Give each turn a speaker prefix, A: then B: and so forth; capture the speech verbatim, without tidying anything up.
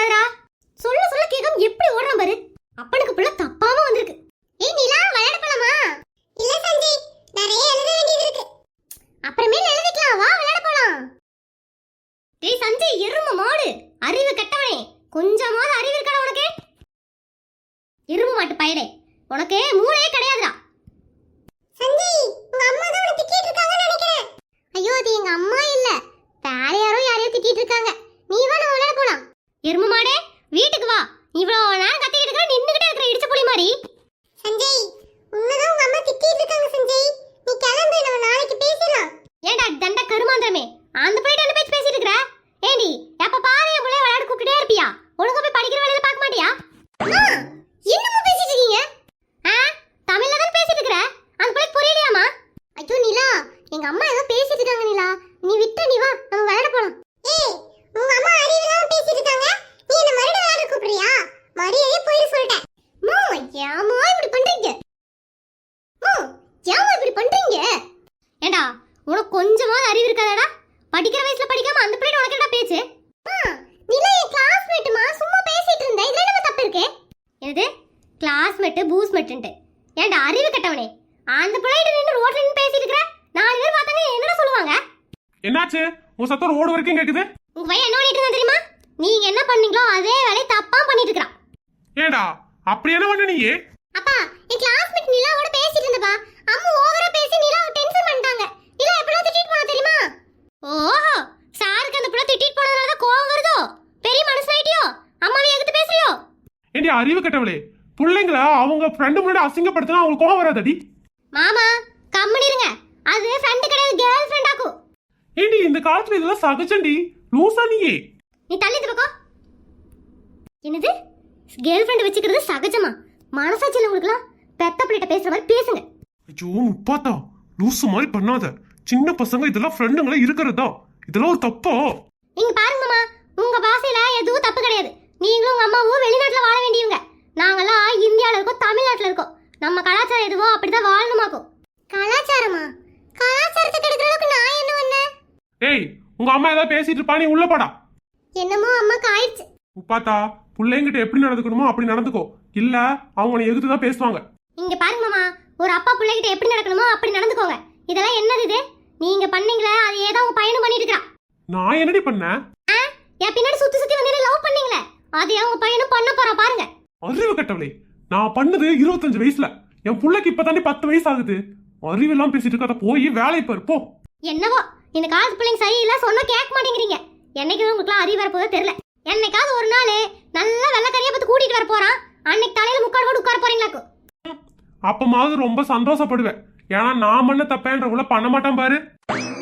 A: ஓடாதடா. சொல்ல சொல்ல கேட்காம எப்படி ஓடுறான் பாரு. அப்பனுக்கு புள்ள தப்பாம வந்திருக்கு. ஏய் நிலா விளையாட போலாமா? இல்ல சஞ்சய், நிறைய எழுத வேண்டியது இருக்கு. அப்புறமேல எழுதிக்கலாம், வா விளையாட போலாம். டேய் சஞ்சய், எருமை மாடு, அறிவு கெட்டவனே, கொஞ்சமாவது அறிவு இருக்கடா உனக்கு? எருமை மாட்டு பயலே, உனக்கு மூளையே கிடையாதுடா. சஞ்சய், உங்க அம்மா தான் உன்னை திட்டிட்டு இருக்காங்கன்னு நினைக்கிறேன். ஐயோ, அது எங்க அம்மா இல்ல, வேற யாரோ யாரையோ திட்டிட்டு இருக்காங்க. நீ வா, நம்ம விளையாட போலாம். எருமை மாடே, வீட்டுக்கு வா. இவ்வளவு நேரம் கத்திக்கிட்டு இருக்கற, நின்னுகிட்டே இருக்கற இடிச்ச புலி மாதிரி. சஞ்சய், உன்னதான் உங்க அம்மா திட்டிட்டு இருக்காங்க சஞ்சய். நீ கிளம்பு, நம்ம நாளைக்கு பேசலாம். ஏண்டா தண்ட கருமாந்திரமே, அந்த போயிட்டு என்ன பேச்சு பேசிட்டு இருக்கற? ஏண்டி எப்ப பாரு என் புள்ளைய விளையாட கூப்பிட்டே இருப்பியா? ஒழுங்கா போய் படிக்கிற வேலையில பார்க்க மாட்டியா? அம்மா, என்னமா பேசிட்டு இருக்கீங்க? ஆ, தமிழ்ல தான் பேசிட்டு இருக்கற. அந்த புள்ளைக்கு புரியலையாமா? ஐயோ நிலா, எங்க அம்மா ஏதோ பேசிட்டு இருக்காங்க நிலா. நீ விட்டு நீ வா, நம்ம விளையாட போலாம். ஏய், உங்க அம்மா அறிவில்லாம பேசிட்டு இருக்காங்க. நீ என்ன மறுபடியும் விளையாட கூப்பிடுறியா? மரியாதையா போய் சொல்லிட்டேன். அம்மா, ஏமா இப்படி பண்றீங்க? அம்மா, ஏமா இப்படி பண்றீங்க? ஏண்டா, உனக்கு கொஞ்சமாவது அறிவு இருக்காதடா? படிக்கிற வயசுல படிக்காம அந்த பிள்ளை உனக்கு என்ன பேச்சு? அம்மா, நிலா என் கிளாஸ்மேட்மா, சும்மா பேசிட்டு இருந்தேன். இதுல என்ன தப்பு இருக்கு? என்னது கிளாஸ்மேட் பூஸ்மேட்ன்ட்டு? ஏண்டா அறிவு கட்டவனே, அந்த பிள்ளைகிட்ட நின்னு ரோட்ல நின்னு பேசிட்டு இருக்கற. நாலு பேர் பார்த்தாங்க என்னடா சொல்லுவாங்க?
B: என்னாச்சு? உன் சத்தம் ரோடு வரைக்கும் கேக்குது.
A: உங்க பையன் என்ன பண்ணிட்டு இருந்தா தெரியுமா? நீங்க என்ன பண்ணீங்களோ அதே வேலையை தப்பா பண்ணிட்டு இருக்கறான்.
B: ஏடா அப்படி என்ன பண்ண நீ?
A: அப்பா, என் கிளாஸ்மேட் நிலாவோட பேசிட்டு இருந்தப்பா. அம்மா ஓவரா பேசி நிலாவை டென்ஷன் பண்ணிட்டாங்க. நிலா எப்படியோ திட்டிட்டு போனா தெரியுமா? ஓஹோ, சாருக்கு அந்த புள்ள திட்டிட்டு போனதால தான் கோவம் வருதோ? பெரிய மனுஷனாயிட்டியோ? அம்மாவை எதுக்கு பேசுறியோ?
B: ஏண்டி அறிவு கட்டவளே, பிள்ளைங்கள அவங்க ஃப்ரெண்டு முன்னாடி அசிங்கப்படுத்தினா அவங்களுக்கு கோவம் வராதடி?
A: மாமா கம்மனி இருங்க, அது ஃப்ரெண்ட் கிடையாது, கேர்ள் ஃப்ரெண்ட் ஆக்கும்.
B: ஏண்டி இந்த காலத்துல இதெல்லாம் சகஜண்டி, லூசா நீயே?
A: நீ தள்ளி பக்கம். என்னது கேர்ள் ஃப்ரெண்ட் வச்சுக்கிறது சகஜமா? மனசாட்சியில் உங்களுக்குலாம் பெத்த பிள்ளைகிட்ட பேசுற மாதிரி பேசுங்க.
B: ஐயோ முப்பாத்தா, லூசு மாதிரி பண்ணாத. சின்ன பசங்க இதெல்லாம் ஃப்ரெண்டுங்களே இருக்கிறதா? இதெல்லாம் ஒரு தப்பா?
A: இங்க பாருங்க மாமா, உங்க பாசையில எதுவும் தப்பு கிடையாது. நீங்களும் உங்க அம்மாவும் வெளிநாட்டுல வாழ வேண்டியவங்க. நாங்கெல்லாம் இந்தியால இருக்கோம், தமிழ்நாட்டுல இருக்கோம். நம்ம கலாச்சாரம் எதுவோ அப்படிதான் வாழணுமாக்கும். கலாச்சாரமா? கலாச்சாரத்தை கெடுக்கிற அளவுக்கு நான் என்ன பண்ணேன்?
B: ஏய், உங்க அம்மா ஏதாவது பேசிட்டு இருப்பா, நீ உள்ள போடா.
A: என்னமோ அம்மாக்கு ஆயிடுச்சு.
B: முப்பாத்தா, பிள்ளைங்கிட்ட எப்படி நடந்துக்கணுமோ அப்படி நடந்துக்கோ, இல்ல அவங்க நீ எதிர்த்துதான் பேசுவாங்க.
A: இங்க பாருங்க மாமா, ஒரு அப்பா பிள்ளைகிட்ட எப்படி நடக்கணுமோ அப்படி நடந்துக்கோங்க. இதெல்லாம் என்னது இது? நீங்க பண்ணீங்களே அது ஏதோ உங்க பையனும் பண்ணிட்டு இருக்கான்.
B: நான் என்னடி பண்ணேன்?
A: என் பின்னாடி சுத்தி சுத்தி வந்து லவ் பண்ணீங்களே, அது உங்க பையனும் பண்ண போறா பாருங்க.
B: அறிவு கட்டவளே, நான் பண்ணது இருபத்தஞ்சு வயசுல, என் பிள்ளைக்கு இப்பதாண்டி பத்து வயசு ஆகுது. அறிவெல்லாம் பேசிட்டு இருக்காத, போய் வேலை பாரு போ.
A: என்னவோ இந்த காலத்து பிள்ளைங்க சரியில்லை, சொன்னா கேட்க மாட்டேங்கிறீங்க. என்னைக்கு உங்களுக்கு அறிவு வரப்போதோ தெரியல. என்னைக்காவது ஒரு நாள் நல்லா வெள்ளக்கறியை பார்த்து கூட்டிட்டு வர போறான், அன்னைக்கு தலையில முக்காடு போட்டு உட்கார போறீங்களாக்கு.
B: அப்பமாவது ரொம்ப சந்தோஷப்படுவேன், ஏன்னா நான் பண்ண தப்பேன்றவங்கள பண்ண மாட்டான் பாரு.